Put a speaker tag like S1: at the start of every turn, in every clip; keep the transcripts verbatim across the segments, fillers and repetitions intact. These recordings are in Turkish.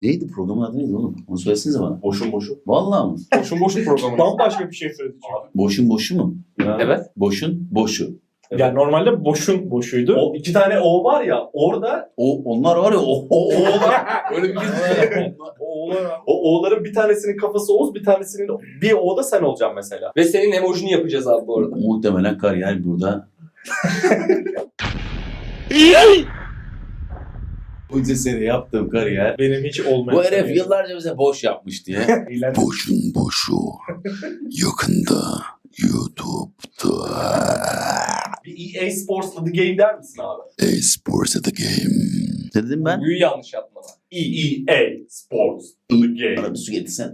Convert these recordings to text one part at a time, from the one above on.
S1: Neydi programın adı neydi oğlum? Onu söylesenize bana.
S2: Boşun boşun.
S1: Vallahi mı?
S3: Boşun boşun programı. Bambaşka bir şey söyledi çünkü.
S1: Boşun boşu mu?
S3: Evet.
S1: Boşun boşu.
S3: Yani normalde boşun boşuydu.
S2: O iki tane O var ya orada
S1: O onlar var ya o o o.
S2: öyle bir
S3: O oğlan abi.
S2: o O'ların bir tanesinin kafası Oğuz, bir tanesinin bir O'da sen olacaksın mesela.
S4: Ve senin emojini yapacağız abi bu arada.
S1: Muhtemelen kariyer burada. Bu sene yaptığım kariyer.
S3: Benim hiç olmayan.
S1: Bu herif yıllarca bize boş yapmış diye.
S3: Eğlen-
S1: Boşun boşu. Yakında YouTube'da.
S2: Bir E A Sports'la The Game der misin abi?
S1: E-Sports at the game. Ne dedim ben?
S4: Buyu yanlış yaptın ama.
S2: E E A Sports The Game.
S1: Bana bir su getirsen.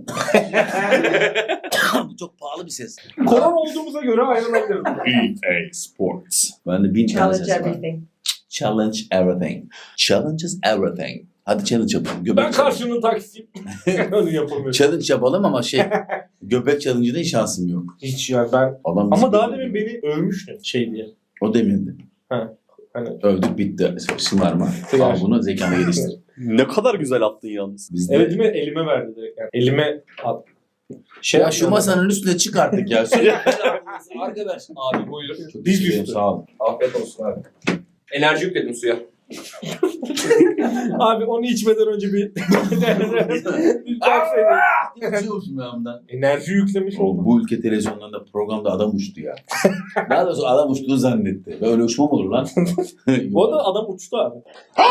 S1: Bu çok pahalı bir ses.
S3: Koron olduğumuza göre ayrılabiliriz.
S2: E A Sports.
S1: Ben de bin tane
S5: Challenge
S1: ses var.
S5: everything.
S1: Challenge everything. Challenges everything. Hadi challenge yapalım. Göbek
S3: Ben
S1: challenge.
S3: karşının taksiyim. Onu yapamıyorum.
S1: Challenge yapalım ama şey göbek challenge'da hiç şansım yok.
S3: Hiç yani ben.
S1: Adam
S3: Ama daha demin beni övmüştün şey diye.
S1: O demindi.
S3: Ha, hani.
S1: Övdük bitti. Şımarma. Al bunu zekana geliştir.
S2: Ne kadar güzel attın yalnız.
S1: Biz de...
S3: Evet değil mi? Elime verdi direkt. Yani elime at. Şey
S1: Ya şu masanın üstüne çık artık ya.
S4: Arkadaş abi buyur.
S1: Çok
S3: Diz
S1: teşekkür ederim,
S3: üstü.
S1: sağ olun.
S4: Afiyet olsun abi. Enerji yükledim suya.
S3: Abi onu içmeden önce bir bir baksaydı.
S1: Uçuyor musun ben bundan?
S3: Enerji yüklemiş
S1: O,
S3: oldum.
S1: bu ülke televizyonlarında programda adam uçtu ya. Daha doğrusu adam uçtuğunu zannetti. Böyle uçma mı olur lan?
S3: Bu arada adam uçtu abi.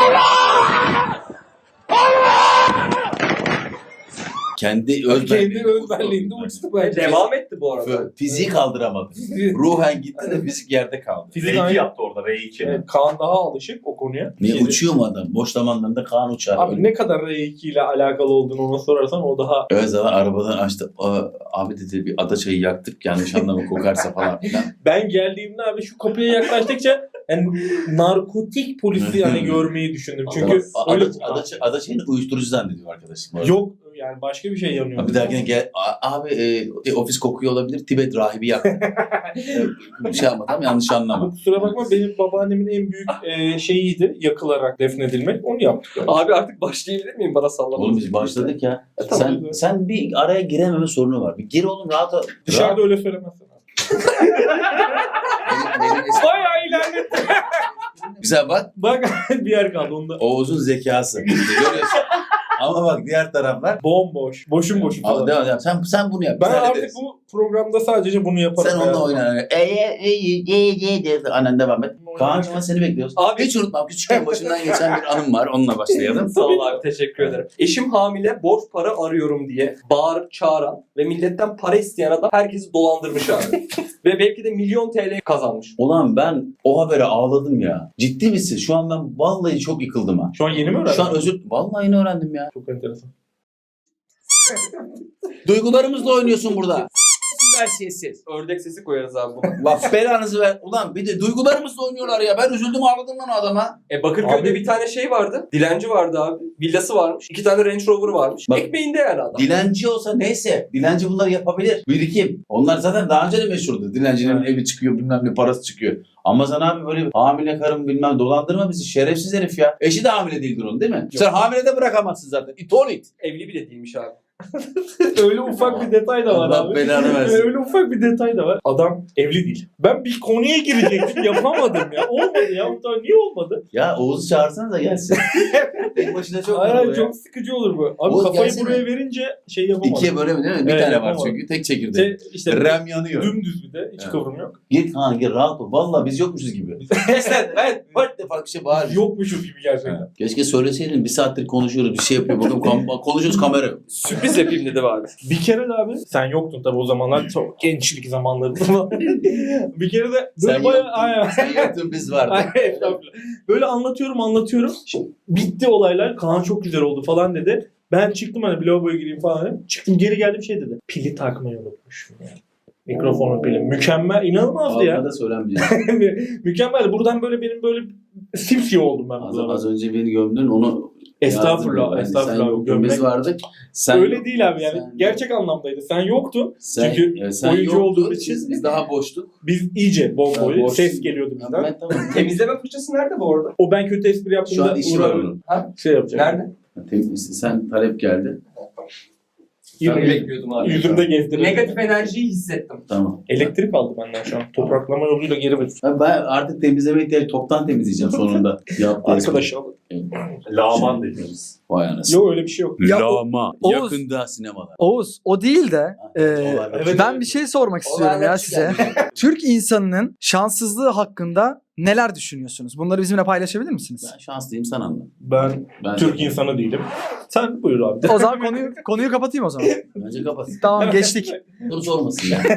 S1: Kendi öz
S3: Kendi özbenliğinde uçtu bence.
S4: Devam etti bu arada.
S1: Fiziği kaldıramadı. Ruhen gitti de fizik yerde kaldı.
S3: Fizik
S2: R iki
S3: aynı.
S2: yaptı orada R iki.
S3: Evet, Kaan daha alışık o konuya.
S1: Niye
S3: Şeyde-
S1: uçuyor mu adam? Boş zamanlarında Kaan uçar.
S3: Abi ne kadar R iki ile alakalı olduğunu ona sorarsan o daha...
S1: Öyle zaman arabadan açtı. Aa, abi dedi bir ada çayı yaktık yanlış anlama kokarsa falan filan.
S3: Ben geldiğimde abi şu kapıya yaklaştıkça yani narkotik polisi yani görmeyi düşündüm. Çünkü
S1: Ada,
S3: öyle...
S1: ada, ada, ada çayını uyuşturucu zannediyor arkadaşım. bu arada.
S3: Yok yani başka bir şey yanıyor.
S1: Bir dahakine gel. A- Abi e, ofis kokuyor olabilir. Tibet rahibi yaktı. Bir şey yapmadım yanlış anlama.
S3: Ama kusura bakma benim babaannemin en büyük e, şeyiydi yakılarak defnedilmek. Onu yaptık. Yani.
S4: Abi artık başlayabilir miyim bana sallamak?
S1: Oğlum biz başladık ya.
S3: E, tamam.
S1: Sen sen bir araya girememe sorunu var. Bir gir oğlum rahat ol.
S3: Dışarıda
S1: Rahat.
S3: öyle söylemezsin abi.
S1: Benim- benim eski-
S3: Bayağı ilerletti.
S1: Güzel bak.
S3: Bak bir yer kaldı onda.
S1: Oğuz'un zekası. Görüyorsun. Ama bak diğer taraflar.
S3: Bomboş. Boşun boşun
S1: Al,
S3: falan.
S1: devam devam. Sen, sen bunu yap.
S3: Ben
S1: Biz
S3: artık
S1: hallederiz.
S3: bu programda sadece bunu yaparım.
S1: Sen onunla oyna. E, e, e, e, e, e. Annen devam et. Kaan'cığım seni bekliyoruz.
S4: Abi-
S1: Hiç unutmam. Küçükken başımdan geçen bir anım var. Onunla başlayalım.
S4: Sağ ol abi teşekkür ederim. Eşim hamile borç para arıyorum diye bağırıp çağıran ve milletten para isteyen adam herkesi dolandırmış abi. Ve belki de milyon T L kazanmış.
S1: Ulan ben o habere ağladım ya. Ciddi misin? Şu an ben vallahi çok yıkıldım ha.
S3: Şu an yeni mi öğrendin?
S1: Şu an özür... Vallahi yeni öğrendim ya.
S3: Çok enteresan.
S1: Duygularımızla oynuyorsun burada. Ver sessiz.
S4: Ördek sesi koyarız abi buna.
S1: Bak belanızı ver. Ulan bir de duygularımızla oynuyorlar ya. Ben üzüldüm ağladım lan o adama.
S4: E Bakırköy'de
S3: Abi-
S4: bir tane şey vardı. Dilenci vardı abi. Villası varmış. İki tane Range Rover varmış.
S1: Bak-
S4: Ekmeğinde yani adam.
S1: Dilenci olsa neyse. Dilenci bunları yapabilir. Birikim. Onlar zaten daha önce de meşhurdu. Dilencinin evi çıkıyor bilmem ne parası çıkıyor. Ama sen abi böyle hamile karım bilmem dolandırma bizi. Şerefsiz herif ya. Eşi de hamile değildir onun değil mi? Sen hamile de bırakamazsın zaten. İt ol it.
S4: Evli bile değilmiş abi.
S3: Öyle ufak bir detay da var
S1: Allah
S3: abi.
S1: belanı versin.
S3: Öyle ufak bir detay da var. Adam evli değil. Ben bir konuya girecektim yapamadım ya. Olmadı ya. Niye olmadı?
S1: Ya Oğuz'u çağırsana da gelsin. Tek başına çok
S3: Hayır,
S1: zor
S3: hayır,
S1: bu ya.
S3: çok sıkıcı olur bu. Abi
S1: Oğuz
S3: kafayı
S1: gelsene.
S3: buraya verince şey yapamadım.
S1: İkiye bölemi değil mi? Bir
S3: Evet,
S1: tane var
S3: yapamadım.
S1: çünkü. Tek çekirdek.
S3: Şey, işte
S1: Rem yanıyor.
S3: dümdüz bir de. Hiç
S1: Evet.
S3: kıvrım yok.
S1: Gir Kaan gir rahat ol. Valla biz yokmuşuz gibi. Sen ben dört defa bir şey bağır.
S3: Yokmuşuz gibi gerçekten.
S1: Keşke söyleseydin. Bir saattir konuşuyoruz. Bir şey yapıyor. Bakın kam- konuşuyoruz kamera yok.
S4: Sürpriz yapayım dedi abi.
S3: Bir kere de abi sen yoktun tabii o zamanlar çok gençlik zamanlarında. Bir kere de böyle
S1: Sen
S3: bayağı
S1: yoktun.
S3: aynen.
S1: Sen yoktun biz vardık.
S3: Aynen, estağfurullah. Böyle anlatıyorum anlatıyorum. Şimdi bitti olaylar. Kaan çok güzel oldu falan dedi. Ben çıktım hani bir lavaboya gireyim falan dedim. Çıktım geri geldim şey dedi. Pili takmayı unutmuşum yani. Mikrofonun pili. Mükemmel. İnanılmazdı ya.
S1: Ağzına söylenmeyecek.
S3: Mükemmel. Buradan böyle benim böyle simsiyah oldum ben.
S1: Az,
S3: buradan.
S1: az önce beni gömdün onu
S3: Estağfurullah.
S1: yazdım.
S3: Estağfurullah.
S1: Sen yoktun
S3: Gömmek-
S1: biz vardık. Sen
S3: Öyle değil abi yani.
S1: sen-
S3: Gerçek anlamdaydı. Sen yoktun.
S1: Sen,
S3: Çünkü
S1: e, sen
S3: oyuncu
S1: yoktun,
S3: olduğun için-
S1: Biz, biz daha boştuk.
S3: Biz iyice bol
S1: Ha,
S3: boy.
S1: boş.
S3: Ses geliyordu bizden.
S1: Ben tamam.
S4: Temizleme fırçası nerede bu arada?
S3: O ben kötü espri
S1: Şu
S3: yaptığımda
S1: an işi var
S3: Uğur abi
S1: onun.
S3: şey yapacak.
S4: Nerede?
S1: Temiz, sen talep geldi.
S4: Bunu bekliyordum abi.
S3: Yüzümde gezdirdim.
S4: Negatif enerjiyi hissettim.
S1: Tamam.
S3: Elektrik aldı benden şu an. Topraklama yoluyla geri ver.
S1: Ha, ben artık temizleme ihtiyacı toptan temizleyeceğim sonunda. Yaptığı
S3: Arkadaş
S1: espri.
S3: al.
S2: Lağman dediğimiz.
S1: Vay anasını.
S3: Yok öyle bir şey yok.
S5: Ya o-
S1: Lama.
S5: Oğuz.
S1: Yakında sinemalar.
S5: Oğuz o değil de e,
S1: Evet,
S5: ben bir şey sormak istiyorum ya size. Türk insanının şanssızlığı hakkında neler düşünüyorsunuz? Bunları bizimle paylaşabilir misiniz?
S1: Ben şanslıyım, sen anla.
S3: Ben
S1: Ben
S3: Türk insanı değilim. Sen buyur abi.
S5: O zaman konuyu konuyu kapatayım o zaman.
S1: Bence kapat.
S5: Tamam geçtik.
S1: Soru sormasın ya.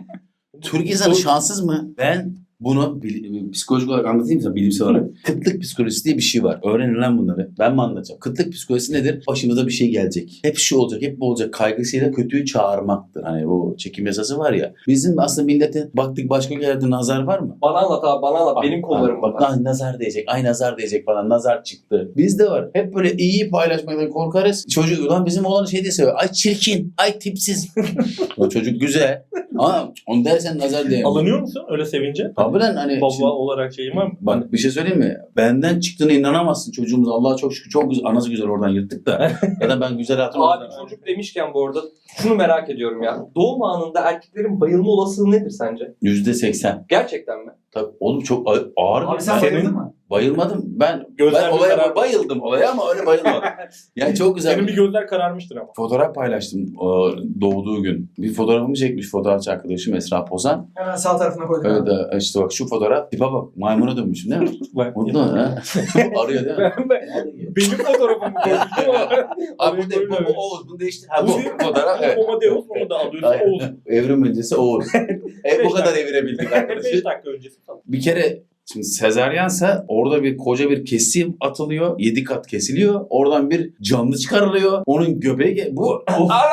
S1: Türk insanı şanssız mı? Ben bunu bil- psikolojik olarak anlatayım sana, bilimsel olarak. Kıtlık psikolojisi diye bir şey var. Öğrenin lan bunları. Ben mi anlatacağım? Kıtlık psikolojisi nedir? Başımıza bir şey gelecek. Hep şu olacak, hep bu olacak. Kaygısıyla kötüyü çağırmaktır. Hani bu çekim yasası var ya. Bizim aslında milletin baktık başka yerde nazar var mı?
S4: Bana anlat abi bana anlat. Benim kollarım
S1: bak.
S4: bak.
S1: Bak nazar diyecek. Ay nazar diyecek falan. Nazar çıktı. Bizde var. Hep böyle iyiyi paylaşmaktan korkarız. Çocuk ulan bizim oğlan şey diye seviyor. Ay çirkin. Ay tipsiz. O çocuk güzel. Ama onu dersen nazar diyemem.
S3: Alınıyor musun öyle sevince?
S1: Abi lan hani
S3: Baba
S1: şimdi-
S3: olarak şeyim var mı?
S1: bak bir şey söyleyeyim mi? Benden çıktığına inanamazsın çocuğumuz. Allah'a çok şükür çok güzel. Anası güzel oradan yırttık da. Ya da ben güzel hatırlıyorum.
S4: Abi çocuk demişken bu arada şunu merak ediyorum ya. Doğum anında erkeklerin bayılma olasılığı nedir sence?
S1: yüzde seksen.
S4: Gerçekten mi?
S1: Tabii oğlum çok ağır. ağır
S5: Abi
S1: bir-
S5: sen
S3: Senin-
S5: bayıldın mı?
S1: Bayılmadım. Ben,
S3: Gözler
S1: ben
S3: bir
S1: olaya
S3: karar-
S1: bayıldım olaya ama öyle bayılmadım. Yani çok güzel.
S3: Senin bir gözler kararmıştır ama.
S1: Fotoğraf paylaştım o doğduğu gün. Bir fotoğrafımı çekmiş fotoğrafçı arkadaşım Esra Pozan.
S5: Hemen sağ tarafına koydum.
S1: Öyle de işte bak şu fotoğraf. Tipa bak maymuna dönmüşüm değil mi? Mutlu mu? Ha? Arıyor değil mi?
S3: Ben, ben, benim fotoğrafımı koymuştum ama.
S1: Abi bu, de, bu,
S3: Koymamış.
S1: bu Oğuz bunu değiştir. Ha
S3: Bu
S1: bu
S3: değil.
S1: fotoğraf. Evet.
S3: Amadeus onu da alıyorsun.
S1: Aynen.
S3: Oğuz.
S1: Evrim öncesi Oğuz. e, bu
S3: Beş
S1: kadar
S3: dakika.
S1: evirebildik
S3: beş
S1: arkadaşlar.
S3: dakika öncesi falan.
S1: Bir kere şimdi sezaryense orada bir koca bir kesim atılıyor. Yedi kat kesiliyor. Oradan bir canlı çıkarılıyor. Onun göbeği ge- bu.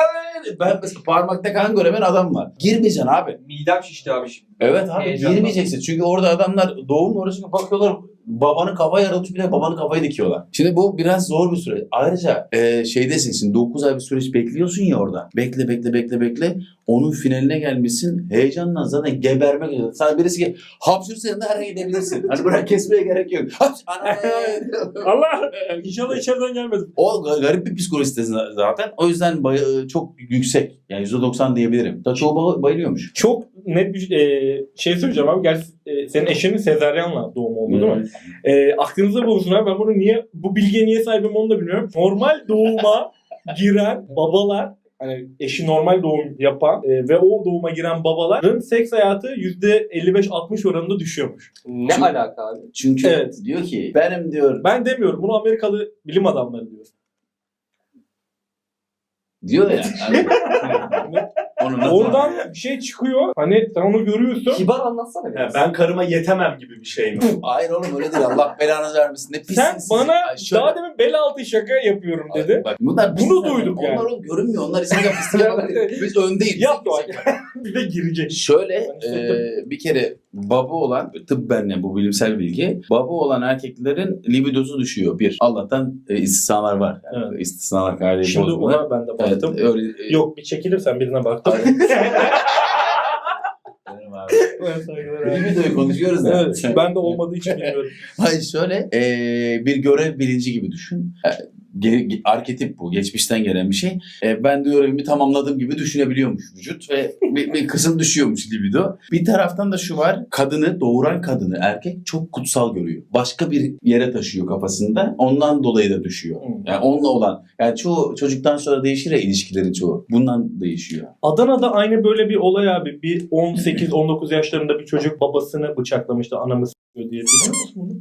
S1: Ben mesela parmakta kan göremeyen adam var. Girmeyeceksin abi.
S4: Midem şişti abi şimdi.
S1: Evet abi
S4: Heyecandan.
S1: girmeyeceksin. Çünkü orada adamlar doğum orasına bakıyorlar. Babanın kafa yarılmış bir de babanın kafayı dikiyorlar. Şimdi bu biraz zor bir süreç. Ayrıca e, şeydesin şimdi dokuz ay bir süreç bekliyorsun ya orada. Bekle bekle bekle bekle. Onun finaline gelmişsin. Heyecanla zaten gebermek üzere. Sana birisi ki hapşırsa da her yere gidebilirsin. Hani bırak kesmeye gerek yok. Hapş, ana.
S3: Allah! İnşallah içeriden gelmedi.
S1: O garip bir psikolojisi zaten. O yüzden bay- çok yüksek. Yani yüzde doksan diyebilirim. Da çoğu bay- bayılıyormuş.
S3: Çok net bir e, şey söyleyeceğim abi. Gerçi e, senin eşinin sezaryenle doğumu oldu değil mi? E, aklınızda bulunsun abi. Ben bunu niye, bu bilgiye niye sahibim onu da bilmiyorum. Normal doğuma giren babalar, hani eşi normal doğum yapan e, ve o doğuma giren babaların seks hayatı yüzde elli beş altmış oranında düşüyormuş.
S4: Ne
S1: Çünkü-
S4: alaka abi?
S1: Çünkü
S3: Evet.
S1: diyor ki benim diyor
S3: Ben demiyorum. Bunu Amerikalı bilim adamları diyor.
S1: diyor ya. Hani, onu nasıl-
S3: Oradan bir şey çıkıyor. Hani sen onu görüyorsun.
S4: Kibar anlatsana
S2: Ha,
S4: biraz.
S2: ben karıma yetemem gibi bir şey mi?
S1: Hayır oğlum öyle değil. Allah belanızı vermesin. Ne pissin
S3: Sen
S1: siz.
S3: bana
S1: Ay, şöyle-
S3: daha demin bel altı şaka yapıyorum dedi.
S1: Bak, bunlar
S3: Bunu
S1: pisler.
S3: duyduk
S1: Onlar
S3: yani.
S1: oğlum görünmüyor. Onlar istediğinde pislik yapabilir. Biz öndeyiz.
S3: Yap bak. Bir de girecek.
S1: Şöyle
S3: Ben hissettim.
S1: e, bir kere baba olan tıbben bu bilimsel bilgi baba olan erkeklerin libidosu düşüyor. Bir. Allah'tan e, istisnalar var. Yani
S3: Evet.
S1: istisnalar kaideyi
S3: Şimdi
S1: bozmalar.
S3: ona ben de
S1: Evet,
S3: baktım.
S1: öyle, e,
S3: Yok bir çekilirsen birine baktım.
S1: Benim abi.
S3: Evet, saygılar abi.
S1: Libidoyu konuşuyoruz da.
S3: Evet, ben de olmadığı için bilmiyorum.
S1: Hayır şöyle e, bir görev bilinci gibi düşün. E, ge- ge- arketip bu. Geçmişten gelen bir şey. E, ben de görevimi tamamladığım gibi düşünebiliyormuş vücut ve bir, bir kısım düşüyormuş libido. Bir taraftan da şu var. Kadını, doğuran kadını erkek çok kutsal görüyor. Başka bir yere taşıyor kafasında. Ondan dolayı da düşüyor.
S3: Hmm.
S1: Yani onunla olan. Yani çoğu çocuktan sonra değişir ya ilişkilerin çoğu. Bundan değişiyor.
S3: Adana'da aynı böyle bir olay abi. Bir on sekiz on dokuz yaşlarında bir çocuk babasını bıçaklamıştı. Anamı s***yor diye. Biliyor musun bunu?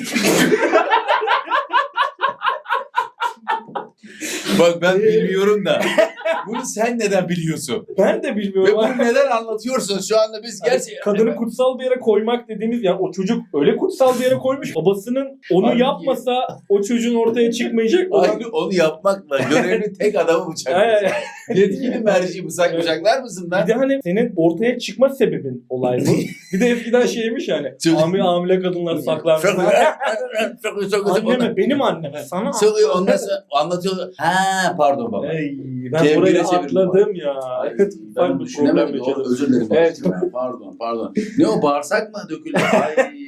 S1: Bak ben bilmiyorum da. Bunu sen neden biliyorsun?
S3: Ben de
S1: Ve
S3: bilmiyorum.
S1: bunu neden anlatıyorsun? Şu anda biz
S3: Hani
S1: gerçekten...
S3: kadını kutsal bir yere koymak dediğimiz yani o çocuk öyle kutsal bir yere koymuş. Babasının onu
S1: Halbuki-
S3: yapmasa o çocuğun ortaya çıkmayacak olan.
S1: Aynı onu yapmakla görevli tek adamı
S3: Ay,
S1: bıçaklıyorsun.
S3: ay.
S1: Yetkili merci bıçak
S3: Evet.
S1: bıçaklar mısın
S3: Bir
S1: lan?
S3: de hani senin ortaya çıkma sebebin olay bu. Bir de eskiden şeymiş yani.
S1: Çocuk-
S3: Hamile, hamile kadınlar saklanmış. Anneme, benim anneme. Sana
S1: Söylüyor ondan sonra anlatıyorlar. Ha pardon baba.
S3: Ey, ben
S1: Kevgire
S3: burayı
S1: çevirdim
S3: atladım ya.
S1: Ay,
S3: Ufak
S1: ben
S3: bir
S1: düşünemedim.
S3: problem
S1: Doğru,
S3: yaşadım.
S1: özür dilerim.
S3: Evet.
S1: Pardon pardon. Ne o bağırsak mı döküldü? Ay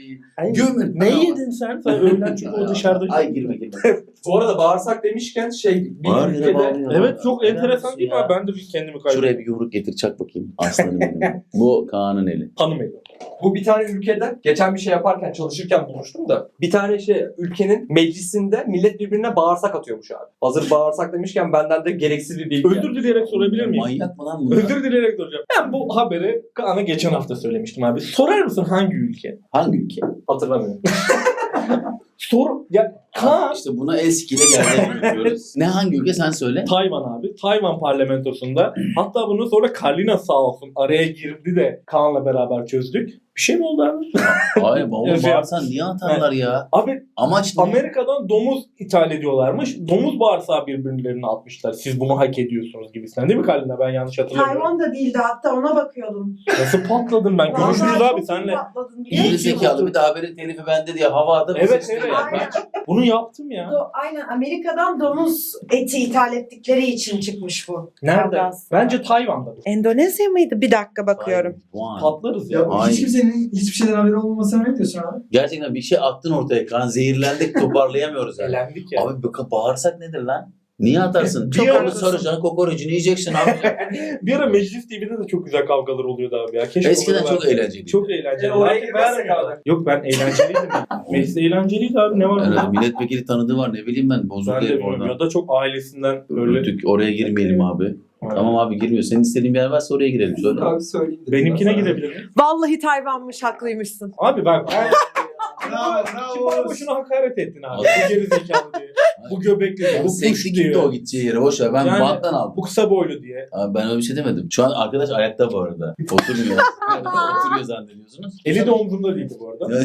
S3: Ay,
S1: Gömün.
S3: ne yedin sen? Sen öğlen çünkü o dışarıda.
S1: Ay girme girme.
S4: Bu arada bağırsak demişken şey bir
S1: Bağır yere
S4: ülkede
S1: bağırıyor.
S3: Evet çok
S1: Helal
S3: enteresan
S1: olsun
S3: değil mi
S1: ya.
S3: abi? Ben de bir kendimi kaybettim.
S1: Şuraya bir yumruk getir çak bakayım. Aslanım benim. Bu Kaan'ın eli.
S3: Tanımıyorum.
S4: bu bir tane ülkede geçen bir şey yaparken çalışırken bulmuştum da bir tane şey ülkenin meclisinde millet birbirine bağırsak atıyormuş abi. Hazır bağırsak demişken benden de gereksiz bir bilgi.
S3: Özür dileyerek sorabilir miyim?
S1: Manyak mı lan bunlar?
S3: Özür dileyerek soracağım. Ben bu haberi Kaan'a geçen hafta söylemiştim abi. Sorar mısın hangi ülke?
S1: Hangi ülke?
S4: Hatırlamıyorum.
S3: Sor. Ya Kaan.
S1: İşte buna el sikiyle geldiğini yapıyoruz. Ne hangi ülke sen söyle.
S3: Tayvan abi. Tayvan parlamentosunda. Hatta bunu sonra Karlina sağ olsun araya girdi de Kaan'la beraber çözdük. Bir şey mi oldu abi?
S1: Hayır baba
S3: Evet.
S1: bağırsan niye atarlar ya?
S3: Abi
S1: Amaç ne?
S3: Amerika'dan domuz ithal ediyorlarmış. Domuz bağırsağı birbirlerine atmışlar. Siz bunu hak ediyorsunuz gibisinden. Değil mi Karlina? Ben yanlış hatırlamıyorum.
S6: Tayvan da değildi, hatta ona bakıyordum.
S3: Nasıl patladın ben?
S6: Vallahi
S3: Görüşürüz
S6: çok
S3: abi
S6: iyi
S3: senle.
S6: patladın, biliyor
S1: Geri
S6: musun?
S1: zekalı bir de haberin telifi bende diye hava atıp
S3: Evet,
S1: sıçtı
S3: evet.
S1: ya.
S6: Aynen.
S3: Bunu yaptım ya.
S6: Do- Aynen, Amerika'dan domuz eti ithal ettikleri için çıkmış bu.
S3: Nerede?
S6: Kavgası.
S3: Bence Tayvan'da.
S6: Endonezya mıydı? Bir dakika bakıyorum.
S1: Puan.
S3: Patlarız ya.
S5: Ya
S1: Aynen.
S5: hiç kimsenin hiçbir şeyden haberi olmamasına ne diyorsun abi?
S1: Gerçekten bir şey attın ortaya Kaan. Zehirlendik toparlayamıyoruz yani.
S3: Eğlendik ya.
S1: Abi bu bağırsak nedir lan? Niye atarsın?
S3: Bir
S1: Çok
S3: ara-
S1: onu saracaksın, kokorecini yiyeceksin abi.
S3: Bir ara Meclis T V'de de çok güzel kavgalar oluyordu abi ya. Keşke
S1: Eskiden
S3: onu
S1: çok
S3: verseler.
S1: eğlenceliydi.
S3: Çok eğlenceli.
S4: E, oraya
S3: Belki
S4: girmezsek
S3: vermiyorlar.
S4: abi.
S3: Yok ben eğlenceliydim. Meclis eğlenceliydi abi. Ne var
S1: Evet,
S3: burada?
S1: milletvekili tanıdığı var ne bileyim ben. Bozuk
S3: Ben de
S1: herif
S3: bilmiyorum.
S1: orada.
S3: Ya da çok ailesinden öyle.
S1: Öldük, oraya girmeyelim abi.
S3: Aynen.
S1: Tamam abi girmiyor. Senin istediğin bir yer varsa oraya girelim. Söyle.
S4: Abi söyleyeyim dedim.
S3: Benimkine
S4: Ben sana.
S3: gidebilir miyim?
S6: Vallahi Tayvan'mış, haklıymışsın.
S3: Abi bak.
S5: Bravo,
S3: Şimdi bana boşuna hakaret ettin abi. Bu geri zekalı diye. Bu göbekli diye. Bu puş
S1: Seksi
S3: diye.
S1: kimdi o gideceği yere? Boş ver. Ben
S3: Yani-
S1: banttan aldım.
S3: Bu kısa boylu diye.
S1: Abi ben öyle bir şey demedim. Şu an arkadaş ayakta bu arada. Oturmuyor. Oturuyor zannediyorsunuz.
S3: Eli de omzumda değildi bu arada.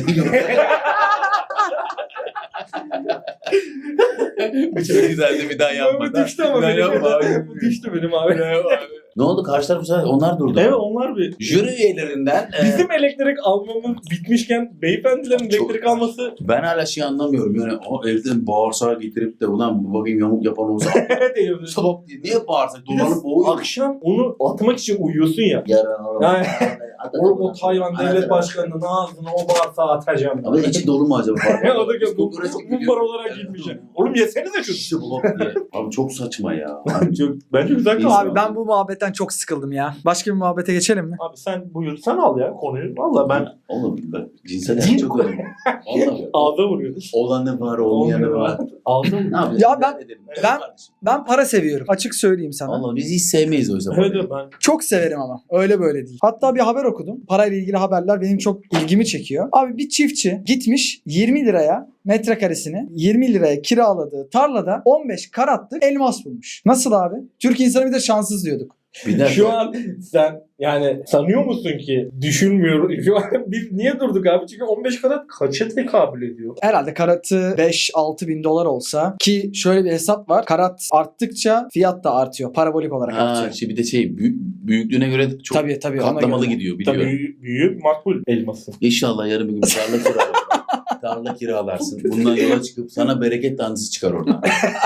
S1: Bu çok güzeldi bir daha yapma.
S3: Bu düştü ama
S1: Ben
S3: benim.
S1: yapma abi.
S3: Bu düştü benim abi.
S1: Ne oldu? Karşı taraf güzel. Onlar durdu.
S3: Evet onlar bir.
S1: Jüri üyelerinden e,
S3: Bizim elektrik almamız bitmişken beyefendilerin
S1: Çok-
S3: elektrik alması
S1: ben hala şey anlamıyorum. Yani o evden bağırsağı getirip de ulan bu bakayım yamuk yapan olsa
S3: diyoruz.
S1: sabah diye niye bağırsak?
S3: Bir de
S1: Dolanıp boğuyor.
S3: akşam onu atmak için uyuyorsun ya.
S1: Yarın oğlum.
S3: Yani oğlum o Tayvan devlet başkanının ağzına o bağırsağı atacağım.
S1: Abi içi dolu mu acaba?
S3: Ya o da bu
S1: Kokoreç gibi
S3: mumbar
S1: görünüyor.
S3: olarak gitmiş. Oğlum yesenize şunu.
S1: Şişi blok diye. Abi çok saçma ya.
S3: Çok, bence güzel
S1: İnsan-
S3: kaldı.
S5: Abi ben bu muhabbetten çok sıkıldım ya. Başka bir muhabbete geçelim mi?
S3: Abi sen buyur sen al ya konuyu. Valla ben
S1: Oğlum bak cinsel hayat çok önemli. Vallahi.
S3: ağza vuruyorum.
S1: Olanı var, olmayanı var.
S3: Ağza
S1: Ne yapacağız?
S5: Ya ben-
S1: Edelim.
S5: ben-
S1: Kardeşim.
S5: Ben para seviyorum. Açık söyleyeyim sana.
S1: Vallahi biz hiç sevmeyiz o yüzden.
S3: Evet evet ben.
S5: Çok severim ama. Öyle böyle değil. Hatta bir haber okudum. Parayla ilgili haberler benim çok ilgimi çekiyor. Abi bir çiftçi gitmiş yirmi liraya metrekaresini yirmi liraya kiraladığı tarlada on beş karatlık elmas bulmuş. Nasıl abi? Türk insanı bir de şanssız diyorduk.
S1: Bir dakika.
S3: Şu an sen yani sanıyor musun ki düşünmüyorum. Şu an biz niye durduk abi? Çünkü on beş karat kaça tekabül ediyor?
S5: Herhalde karatı beş altı bin dolar olsa ki şöyle bir hesap var. Karat arttıkça fiyat da artıyor. Parabolik olarak
S1: Ha,
S5: artıyor.
S1: şey bir de şey büyük, büyüklüğüne göre çok
S5: Tabii tabii. ona
S1: katlamalı
S5: göre.
S1: gidiyor biliyorum.
S3: Tabii büyük, büyük makbul elması.
S1: İnşallah yarın bir gün bir tarla kiralarsın. tarla kiralarsın. Bundan yola çıkıp sana bereket tanrısı çıkar oradan.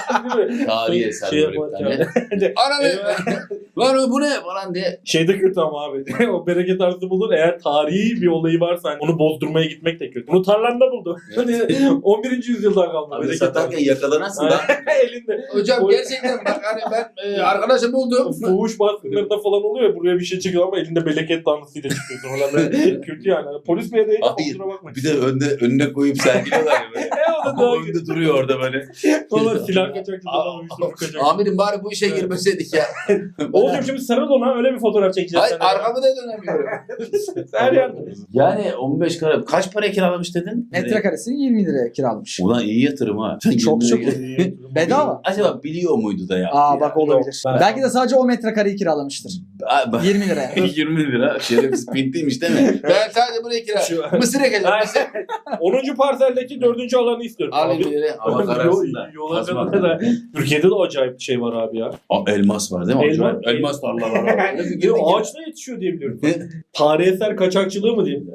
S1: Tarihi eser
S3: Şey
S1: böyle bir
S3: yaparken-
S1: tane. Ananı! Lan bu ne falan diye.
S3: Şey de kötü ama abi. O bereket arası bulur. Eğer tarihi bir olayı varsa hani onu bozdurmaya gitmek de kötü. Bunu tarlanda buldu. Hani on birinci yüzyıldan kalma.
S1: Abi
S3: bereket
S1: satarken
S3: arası.
S1: yakalanırsın lan.
S3: Elinde.
S1: Hocam
S3: O-
S1: gerçekten bak hani ben e, arkadaşım buldum.
S3: Fuhuş baskınlarında falan oluyor ya, buraya bir şey çıkıyor ama elinde bereket tanrısıyla çıkıyorsun. Oradan böyle kötü yani. Hani polis bile değil.
S1: Hayır.
S3: Kusura bakmayın.
S1: Bir de önde önüne koyup sergiliyorlar ya böyle.
S3: E o da
S1: Ama
S3: daha
S1: önde duruyor orada böyle.
S3: Valla silah kaçakçılardan uyuşturucu kaçak.
S1: Amirim bari bu işe girmeseydik ya.
S3: Oğlum şimdi sarıl ona öyle bir fotoğraf çekeceğiz.
S1: Hayır
S3: seninle.
S1: arkamı da dönemiyorum.
S3: Her yerde.
S1: Yani on beş karat. Kaç para kiralamış dedin?
S5: Metrekaresini yirmi liraya kiralamış.
S1: Ulan iyi yatırım ha. Sen
S5: Çok
S1: yirmi
S5: çok
S1: liraya-
S5: Bedava.
S1: Acaba biliyor muydu da ya?
S5: Aa bak olabilir.
S3: Ben-
S5: Belki de sadece o metrekareyi kiralamıştır.
S1: yirmi
S5: yirmi liraya.
S1: yirmi lira. Şerefsiz pintliymiş değil mi? Ben sadece buraya kira.
S3: Şu-
S1: Mısır ekeceğim. Mısır.
S3: onuncu parseldeki dördüncü alanı istiyorum.
S1: Alayım
S3: Abi.
S1: bir yere. Hava kararsın da.
S3: Yola
S1: Kazma.
S3: kadar da. Türkiye'de de acayip bir şey var abi ya.
S1: Aa, elmas var değil mi?
S3: Elmas-
S1: Elmas, elmas tarlalar var.
S3: Ya ağaçta yetişiyor diye biliyorum. Tarihi eser kaçakçılığı mı diyeyim?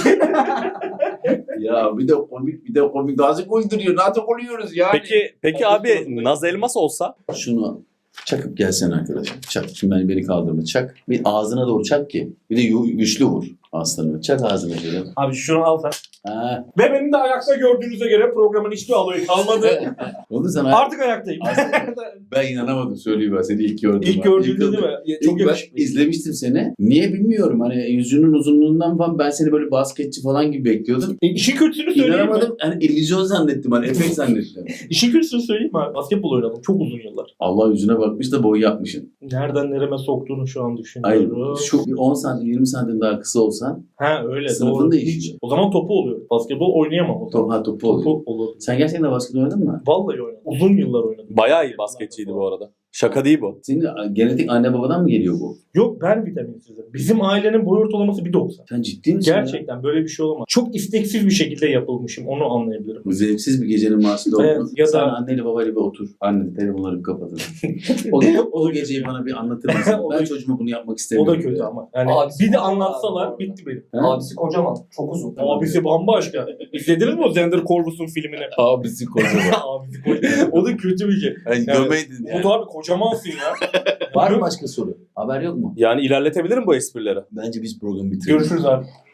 S1: Ya bir de komik bir de komik. Nasıl uyduruyor? Nasıl oluyoruz yani?
S4: Peki peki abi Naz Elmas olsa
S1: Şunu çakıp gelsen arkadaşım. Çak. Şimdi ben beni kaldırma. Çak. Bir ağzına doğru çak ki. Bir de yu- güçlü vur. Aslanım. Çak ağzına şöyle.
S3: Abi şunu al sen.
S1: Ha.
S3: Ve beni de ayakta gördüğünüze göre programın hiçbir alayı kalmadı.
S1: Oldu sana.
S3: Artık ayaktayım.
S1: Ben inanamadım söyleyeyim ben seni ilk gördüm.
S3: İlk gördüğünde değil mi?
S1: İlk
S3: Çok
S1: ben
S3: yakışıklı.
S1: izlemiştim seni. Niye bilmiyorum. Hani yüzünün uzunluğundan falan ben seni böyle basketçi falan gibi bekliyordum.
S3: E, işin kötüsünü söyleyeyim mi?
S1: İnanamadım. Hani illüzyon zannettim. Hani efekt zannettim.
S3: İşin kötüsünü söyleyeyim mi? Basketbol oynadım. Çok uzun yıllar.
S1: Allah yüzüne bakmış da boy yapmışsın.
S3: Nereden nereme soktuğunu şu an
S1: Hayır.
S3: düşünüyorum.
S1: Şu bir on santim yirmi santim daha kısa olsan
S3: Ha öyle.
S1: sınıfın
S3: doğru.
S1: değişiyor.
S3: Hiç. O zaman topu oluyor. Basketbol oynayamam o zaman.
S1: top, ha, topu oluyor.
S3: Topu olur.
S1: Sen gerçekten basket oynadın mı?
S3: Vallahi oynadım. Uzun yıllar oynadım.
S4: Bayağı iyi basketçiydi bu arada. Şaka değil bu.
S1: Senin genetik anne babadan mı geliyor bu?
S3: Yok ben vitaminsizim. Bizim ailenin boy ortalaması bir doksan.
S1: Sen ciddi misin ya?
S3: Gerçekten böyle bir şey olamaz. Çok isteksiz bir şekilde yapılmışım. Onu anlayabilirim.
S1: Bu zevksiz bir gecenin mahsulü
S3: Evet,
S1: olmaz.
S3: ya da-
S1: Sen anneyle babayla bir otur. Anne telefonları bir kapatın. o, o geceyi bana bir anlatır mısın?
S3: O
S1: Ben
S3: da-
S1: çocuğuma bunu yapmak
S3: O
S1: istemiyorum.
S3: da kötü ama. Yani
S4: Abi,
S3: bir de
S4: abi,
S3: anlatsalar
S4: abi.
S3: bitti benim.
S1: Ha?
S4: Abisi kocaman. Çok uzun.
S3: Abisi bambaşka. İzlediniz mi o Zender Corvus'un filmini?
S1: Abisi kocaman.
S3: Abisi kocaman. O da kötü bir şey.
S1: Yani
S3: Yani,
S1: gömeydin yani.
S3: Umut abi kocamansın ya.
S1: Var mı başka soru? Haber yok mu?
S4: Yani ilerletebilirim bu esprileri.
S1: Bence biz programı bitirelim.
S3: Görüşürüz abi.